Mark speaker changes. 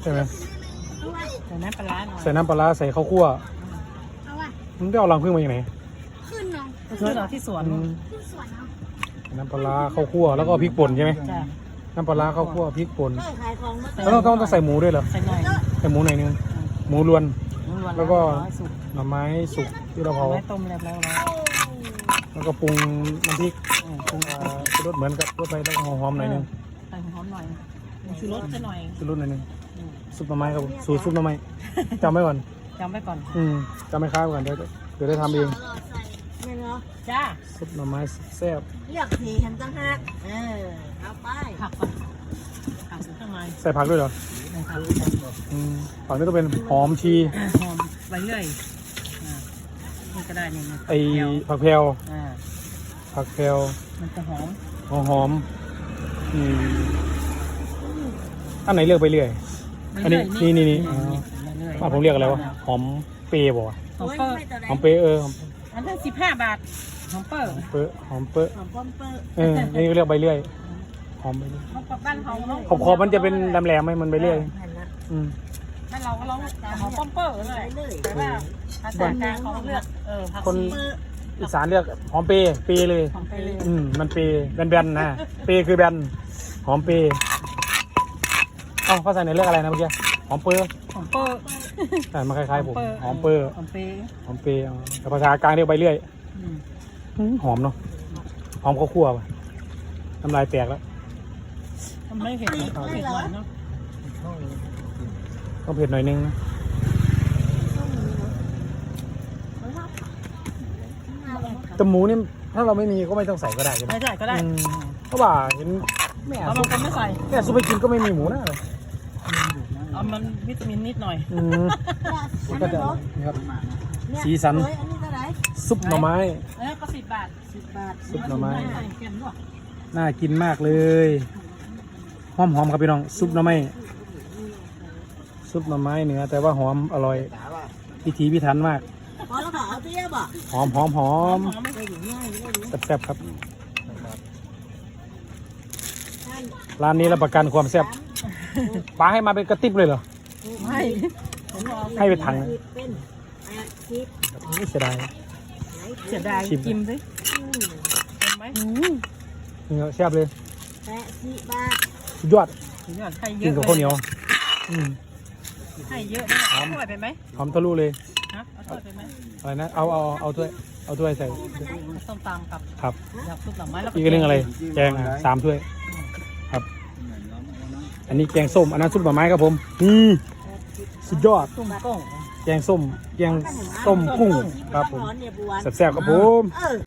Speaker 1: ใช่ไหม
Speaker 2: ใส่น้ำปลาหน่อย
Speaker 1: ใส่น้ำปลาใส่ข้าวคั่วมึงได้เอารังผึ้งมาจากไหน
Speaker 3: ขึ้นเนาะ
Speaker 2: ซื้อเราที่สวน
Speaker 3: ขึ้นสวนเนาะ
Speaker 1: น้ำปลาข้าวคั่วแล้วก็พริกป่นใช่ไหม
Speaker 2: จ้ะ
Speaker 1: น้ำปลาข้าวคั่วพริกป่น
Speaker 3: ขายของมา
Speaker 1: แล้วต้องใส่หมูด้วยเหรอ
Speaker 2: ใส่หน่อย
Speaker 1: ใส่หมูหน่อยนึงหมูรวน แล้วก็
Speaker 2: สุก
Speaker 1: หน่อไม้สุกที่เราเผา
Speaker 2: ไม้ต้มแล้วแล้ว
Speaker 1: แล้วก็ปรุงน้ำพริก
Speaker 2: ปรุง
Speaker 1: รสเหมือนกับรสไปแล้วก็หอมๆหน่อยนึง
Speaker 2: ใส่หอมหน่อยชูรสจะหน่อย
Speaker 1: รสหน่อยนึงซุปหน่อไม้ครับผมสูตรซุปหน่อไม้จำไว้ก่อน
Speaker 2: จำไว้ก่อน
Speaker 1: จำไม่ค้างก่อนเดี๋ยวได้ทำเอง
Speaker 3: เนี่ยเนาะ
Speaker 2: จ้า
Speaker 1: ซุปหน่อไม้แซ่บ
Speaker 3: เรียกสีเห็นตั้งหักเอาไป
Speaker 2: ผักก่อนผักข้างใน
Speaker 1: ใส่ผักด้วยเหรอ
Speaker 2: นะครับ
Speaker 1: ผักนี่ต้องเป็นหอมชี
Speaker 2: หอมไปเรื่อยนี่ก็ได้นี่
Speaker 1: ไอผักแพรว
Speaker 2: อ่า
Speaker 1: ผักแพรว
Speaker 2: มันจะหอม
Speaker 1: หอมอันไหนเลือกไปเรื่อยอันนี้นี่ผมเรียกอะไรวะหอมเปย์บอกว่า
Speaker 2: หอมเปิ้ล
Speaker 1: หอมเปย์
Speaker 2: อันนั้น15 บาทหอมเปิ้ล
Speaker 1: หอมเปย์
Speaker 3: หอมป้อมเปิ้ล
Speaker 1: นี่ก็เรียกใบเลื่อยหอมใบเลื่อย
Speaker 2: หอมกับบ้านเขาเนาะ
Speaker 1: ขอบมันจะเป็นแหลมๆไหมมันใบเลื่อย
Speaker 2: บ้านเราก็ร้องหอมป้อมเปิ้ลเลยแต่ว่าภาษากลางเขาเลือกผัก
Speaker 1: คนอีสานเรียกหอมเปย์เลย
Speaker 2: หอมไปเลย
Speaker 1: มันเปย์แบนๆนะเปย์คือแบนหอมเปย์เอ้าภาษาไหนเรียกอะไรนะเมื่อกี้หอมเปย์
Speaker 2: หอมเปิ้ล
Speaker 1: แต่มันคล้ายๆผมหอมเปย์
Speaker 2: หอมเปย์
Speaker 1: หอมเปย์แต่ภาษากลางเรียกใบเลื่อยหอมเนาะหอมข้าวคั่วป่ะน้ำลายแตกแล้ว
Speaker 2: มันไม่เผ็ดนะเผ็ดหน่อยเนาะ
Speaker 1: ต้องเผ็ดหน่อยนึงนะแต่หมูนี่ถ้าเราไม่มีก็ไม่ต้องใส่ก็ได้ใช่ไหม
Speaker 2: ไม่ใส่ก็ได้
Speaker 1: เพราะว่าเห็นแม่
Speaker 2: เอาบางคนไม่ใส่
Speaker 1: ซุปไปกินก็ไม่มีหมูนะเลย
Speaker 2: เอามันวิตามินนิดหน่อย
Speaker 1: มันก็จะนะครับสีสัน
Speaker 3: อันนี้เท่าไหร่
Speaker 1: ซุปหน่อไม้
Speaker 2: ก็10 บาท
Speaker 3: 10 บาท
Speaker 1: ซุปหน่อไม้
Speaker 2: เค็มด้วย
Speaker 1: น่ากินมากเลยหอมครับพี่น้องซุปหน่อไม้ซุปหน่อไม้เนื้อแต่ว่าหอมอร่อยพิถีพิถันมาก
Speaker 3: พอแล้วก็เอาเตี้ยบ่
Speaker 1: หอม
Speaker 2: หอมไม่
Speaker 3: ได้อยู่ง่ายได้อยู่
Speaker 1: แซ่บๆครับร้านนี้รับประกันความแซ่บปลาให้มาเป็นกระติบเลยเหรอ
Speaker 2: ไม่
Speaker 1: ให้เป็นถังนะ
Speaker 3: เป็น80
Speaker 1: ไม่เสียดาย
Speaker 2: เสียดายกิมสิเห็นไหม
Speaker 1: นี่แซ่บเลย
Speaker 3: 80 บาท
Speaker 1: สุดยอด
Speaker 2: ยอดให้เย
Speaker 1: กิน
Speaker 2: อะ
Speaker 1: กับข้าวเหนียว
Speaker 2: ให้เยอะนะเอาถ้วยไปไหม
Speaker 1: หอมทะลุเลย
Speaker 2: ฮะเอาถ้วยไปไหม
Speaker 1: อะไรนะเอาถ้วยใส่
Speaker 2: ส้มตำกับ
Speaker 1: ครับ
Speaker 2: ยำซุปหน่อไม้แล้วก็
Speaker 1: อีกเรื่องอะไรแกง3 ถ้วยครับ อันนี้แกงส้มอันนั้นซุปหน่อไม้ครับผมสุดยอด
Speaker 2: ตุ้มกุ้ง
Speaker 1: แกงส้มกุ้งครับผมแซ่บๆครับผม